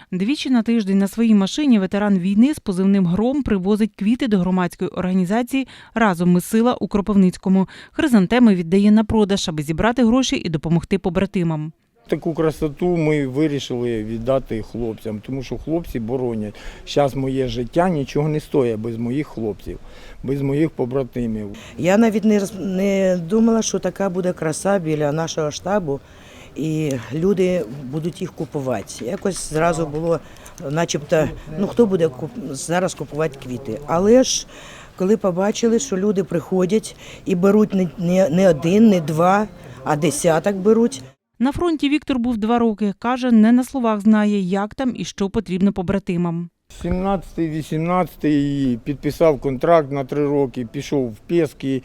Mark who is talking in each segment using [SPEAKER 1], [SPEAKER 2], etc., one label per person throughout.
[SPEAKER 1] Двічі на тиждень на своїй машині ветеран війни з позивним «Гром» привозить квіти до громадської організації «Разом ми сила» у Кропивницькому. Хризантеми віддає на продаж, аби зібрати гроші і допомогти побратимам.
[SPEAKER 2] Таку красоту ми вирішили віддати хлопцям, тому що хлопці боронять. Зараз моє життя нічого не стоїть без моїх хлопців, без моїх побратимів.
[SPEAKER 3] Я навіть не думала, що така буде краса біля нашого штабу, і люди будуть їх купувати. Якось зразу було, начебто, хто буде зараз купувати квіти. Але ж, коли побачили, що люди приходять і беруть не один, не два, а десяток беруть.
[SPEAKER 1] На фронті Віктор був 2 роки. Каже, не на словах знає, як там і що потрібно побратимам.
[SPEAKER 2] 17-18 підписав контракт на 3 роки, пішов в Пєски,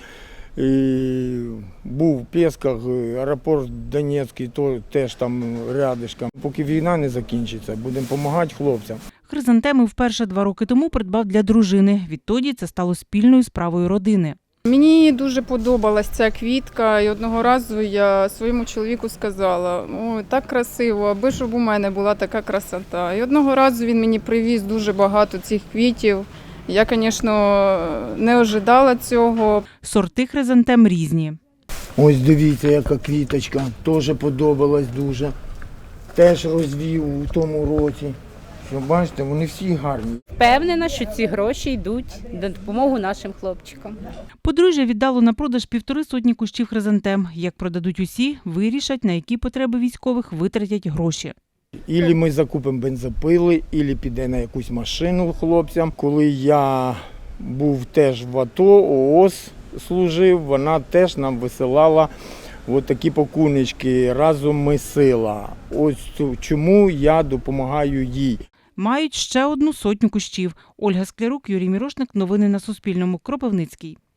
[SPEAKER 2] був в Пєсках, аеропорт Донецький, теж там рядишком. Поки війна не закінчиться, будемо допомагати хлопцям.
[SPEAKER 1] Хризантеми вперше 2 роки тому придбав для дружини. Відтоді це стало спільною справою родини.
[SPEAKER 4] Мені дуже подобалась ця квітка, і одного разу я своєму чоловіку сказала: «Ой, так красиво, аби щоб у мене була така красота». І одного разу він мені привіз дуже багато цих квітів. Я, звісно, не ожидала цього.
[SPEAKER 1] Сорти хризантем різні.
[SPEAKER 2] Ось дивіться, яка квіточка, теж подобалась дуже. Теж розвів у тому році. Що бачите, вони всі гарні.
[SPEAKER 5] Впевнена, що ці гроші йдуть на допомогу нашим хлопчикам.
[SPEAKER 1] Подружжя віддало на продаж 150 кущів хризантем. Як продадуть усі, вирішать, на які потреби військових витратять гроші.
[SPEAKER 2] Ілі ми закупимо бензопили, ілі піде на якусь машину хлопцям. Коли я був теж в АТО, ООС служив, вона теж нам висилала такі пакуночки «Разом ми сила». Ось чому я допомагаю їй.
[SPEAKER 1] Мають ще 100 кущів. Ольга Склярук, Юрій Мірошник. Новини на Суспільному. Кропивницький.